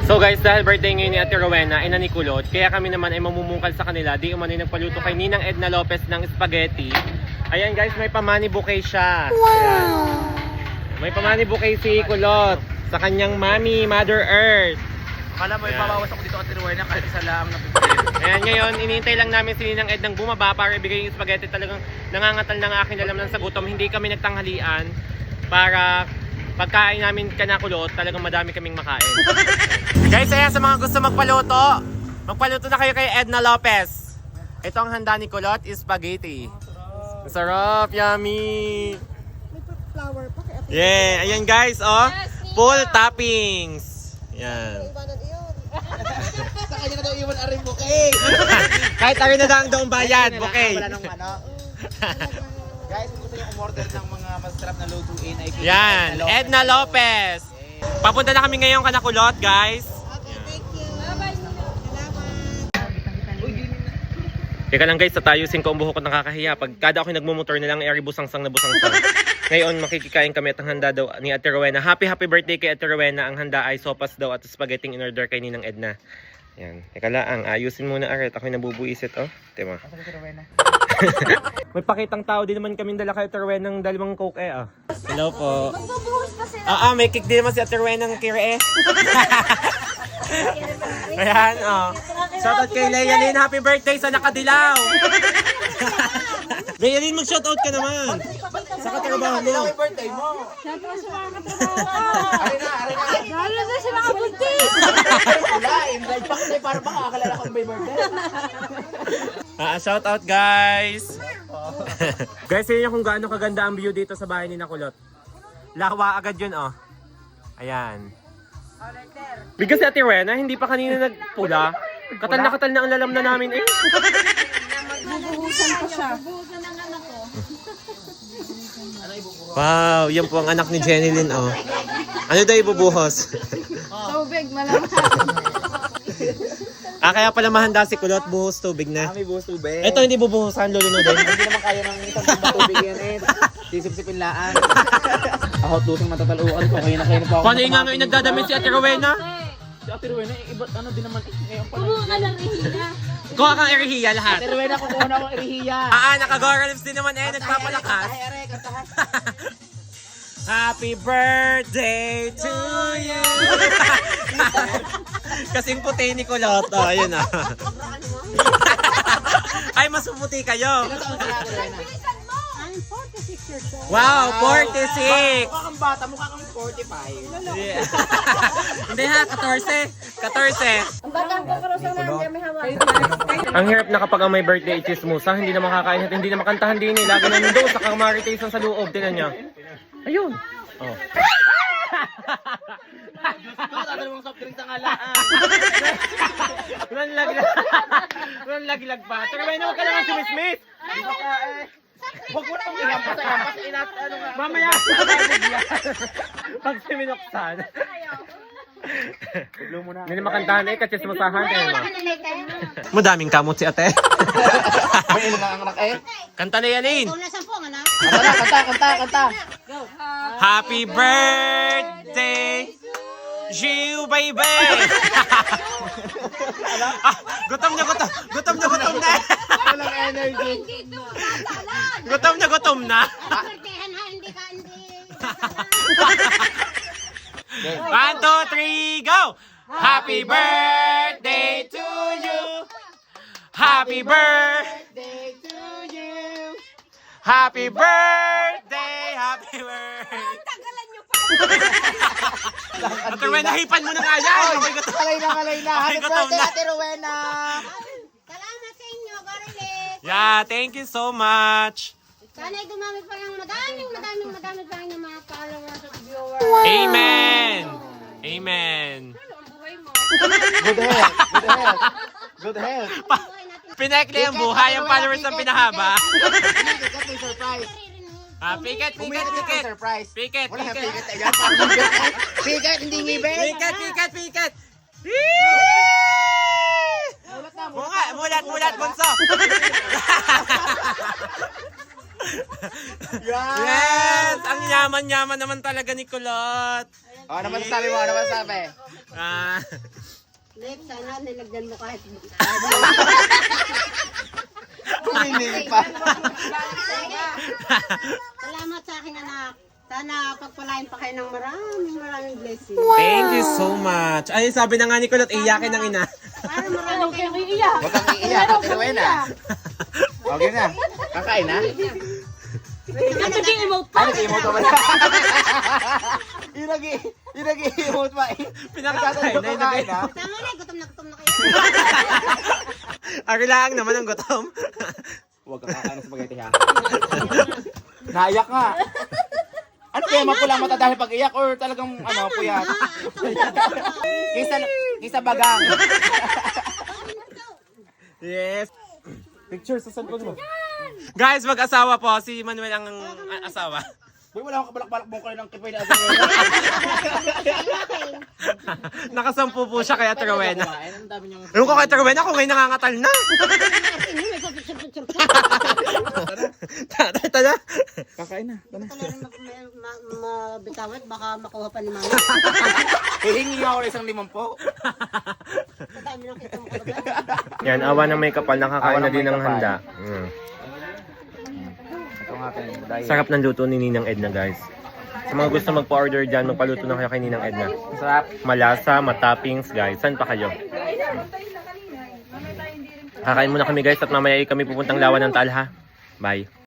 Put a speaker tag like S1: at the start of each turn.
S1: So guys, dahil birthday ngayon ni Ate Rowena, ina ni Kulot, kaya kami naman ay mamumungkal sa kanila. Di umano'y nagpaluto kay Ninang Edna Lopez ng spaghetti. Ayan guys, may pamani bouquet siya. Ayan. May pamani bouquet si Kulot sa kanyang mami, Mother Earth.
S2: Kala mo ipabawas ako dito Ate Rowena kahit isa lang na
S1: Ayan, ngayon, iniintay lang namin si Ninang Ednang bumaba para ibigay yung spaghetti. Talagang nangangatal ng aking alam ng sagutom. Hindi kami nagtanghalian para pagkain namin kanakulot, talagang madami kaming makain. Guys, ayan, sa mga gusto magpaluto na kayo kay Edna Lopez. Ito ang handa ni Kulot, is spaghetti. Sarap, yummy.
S3: May flower pa kaya
S1: Yeah, ayan guys, oh. Full toppings. Yan.
S3: ibanan iyon.
S2: sa kanya na daw iwan aring bouquet.
S1: Kahit ari na lang doong bayad, okay.
S2: Wala nang ano. Guys, kung gusto niyo umorder ng mga masarap na lutuin ay kay
S1: Yan, Edna Lopez. Papunta na kami ngayon kanakulot, guys.
S3: Okay, thank you. Bye-bye. Salamat.
S1: Teka lang guys, tatayusin ko ang buhok ko, nakakahiya. Pag kada ako nagmumotor na lang, ay busangsang na busangsang. Ngayon, makikikain kami at ang handa daw ni Ate Rowena. Happy birthday kay Ate Rowena. Ang handa ay sopas daw at spaghetti in order kay Ninang Edna. Yan. Teka lang, ayusin muna aret. Ako'y nabubuisit, oh. Tima. May pakitang tao din naman kami dala kay Ate Rowena ng dalawang coke ah. Hello po.
S3: Magbubuhos pa sila.
S1: May cake din naman si Ate Rowena ng kire Ayan, oh. Shoutout kay Leyanin. Happy birthday sa nakadilaw. Leyanin, mag-shoutout ka naman. Sa katrabaho mo.
S2: Happy birthday mo.
S3: Shoutout sa mga katrabaho.
S2: Arena.
S3: Lalo na sa mga buntis.
S2: Wala, invite pa kasi para makakalala kung may birthday.
S1: Shoutout guys. Guys, yun yung kung gaano kaganda ang view dito sa bahay ni Nakulot. Lawa agad yun, oh. Ayan. Bigas si Ate Rowena, hindi pa kanina nagpula. Katal na ang lalam na namin eh.
S3: Bubuhusan pa siya.
S1: Wow, yan po ang anak ni Jenilyn, oh. Ano daw ibubuhos?
S3: Tubig, malamang.
S1: Kaya pala mahanda si Kulot, buhos tubig na.
S2: Kami buhos tubig.
S1: Ito hindi bubuhusan, lulunodin.
S2: Hindi naman kaya ng isang tubig yan eh. Sisip-sipin laan. Ako tusing matataluan ko. Kaya na po ako.
S1: Paano yung nga ngayon nagdadamit si Ate Rowena?
S2: Si Ate Rowena, iba ano din naman eh. Ngayon pala.
S3: Kumuha ka ng rihiya.
S1: Kuha kang erihiya lahat.
S2: Ate Rowena, kukuha na akong irihiya.
S1: Naka-Gora Lips din naman eh, nagpapalakas.
S2: Ere, kantahan.
S1: Happy birthday to you! Kasing puti ni Kulot. Ayun ah. Ay, mas puti kayo.
S2: Ilan taon ka na, Ate Rowena?
S3: I'm 46 years old.
S1: Wow, 46!
S2: Mukha kang bata, mukha kang 45.
S1: Yeah. Hindi ha, 14. 14.
S3: Ang batang ko karusang namin kami hawa.
S1: Ang hirap na kapag ang may birthday chismosa, hindi na makakain at hindi na makantahan din eh. Lagi na nandoon sa kamaritation sa loob. Tinan niya. Ayun. Oh.
S2: Tatalawang soft drinks ang alaan.
S1: Walang laglag pa. Pero may naman ka naman sumismit.
S2: Huwag mo nang ilampas sa ilampas. Ano nga.
S1: Mamaya. Pag siminoksan. Hindi na makantahan eh, kasi sumasahan kayo mo. Madaming kamot si ate.
S2: May ino nga ang anak eh.
S1: Kanta na yan eh.
S2: Kanta.
S1: Happy birthday, you baby. Gutom na.
S2: Walang energy.
S1: Gutom na.
S3: Birthdayan ha, hindi ka, hindi.
S1: 1, 2, 3, go! Happy birthday to you. Happy birthday to you. Happy birthday.
S3: Tagalan niyo pa.
S1: Ate Rowena, hipan mo na nga yan. Okay, gutom.
S2: Kalay na. Happy
S1: gutom
S2: birthday,
S1: na.
S2: Ate Rowena.
S3: Salamat sa inyo, Gorilet.
S1: Yeah, thank you so much.
S3: Sana'y gumamit pa ng madaming pa ng mga followers at viewers.
S1: Amen.
S3: Ano ang buhay mo?
S2: Good health.
S1: Pinekli ang buhay, ang followers ang pinahaba.
S2: Piket may surprise.
S1: Piket.
S2: Surprise.
S1: Piket.
S2: Wala kang piket. Ayan, piket, hindi ngibig.
S1: Piket. Mulat, bunso. Yes! Ang yaman-yaman naman talaga ni Kulot.
S2: Ano masasabi mo?
S3: Lip, sana nilagyan mo kahit
S2: Kumili pa.
S3: Salamat sa aking anak. Sana pagpalain pa kayo ng maraming blessing.
S1: Thank you so much. Ay, sabi na nga ni Kulot, iyakin ng ina.
S3: Para marami kayong iiyak.
S2: Huwag kang iiyak, Ate Rowena. Okay na. Kakain na?
S3: Ano nag-emote pa?
S2: Ano, emote pa ba? Yung nag-emote pa eh.
S1: Pinakakain na,
S2: Kakain na.
S3: Tama na, gutom na kayo.
S1: Arilaan naman ang gutom.
S2: Huwag kang kakain ng spaghetti ha. Naiyak ka. Ano kaya mapulang mata dahil pag-iyak or talagang puyat? Kisa bagang.
S1: Yes.
S2: Picture sa cellphone mo.
S1: Guys, mag-asawa po. Si Manuel ang asawa.
S2: Boy, wala akong kabalak-balak mo kayo ng kipay na Ate
S1: Nakasampu po siya kay Ate Rowena.
S2: Ang dami niyang...
S1: Ewan ko kay Ate Rowena kung ngayon nangangatal na. Tara.
S2: Kakain na. Tara.
S3: Ito na rin mabitawat, baka makuha pa ni mama.
S2: Hihingi nga ako ng isang 50.
S3: Sa dami ng kita mo ko.
S1: Yan, awa ng may kapal. Nakakain
S2: Awa
S1: na
S2: ng
S1: din
S2: may
S1: ng
S2: kapal.
S1: handa.
S2: Ito nga kayo. Dahil.
S1: Sarap ng luto ni Ninang Edna, guys. Sa mga gusto magpa-order dyan, magpaluto na kayo kay Ninang Edna.
S2: Sarap.
S1: Malasa, matappings, guys. Saan pa kayo? Kakain muna kami, guys, at mamaya kami pupuntang Lawan ng Talha. Bye.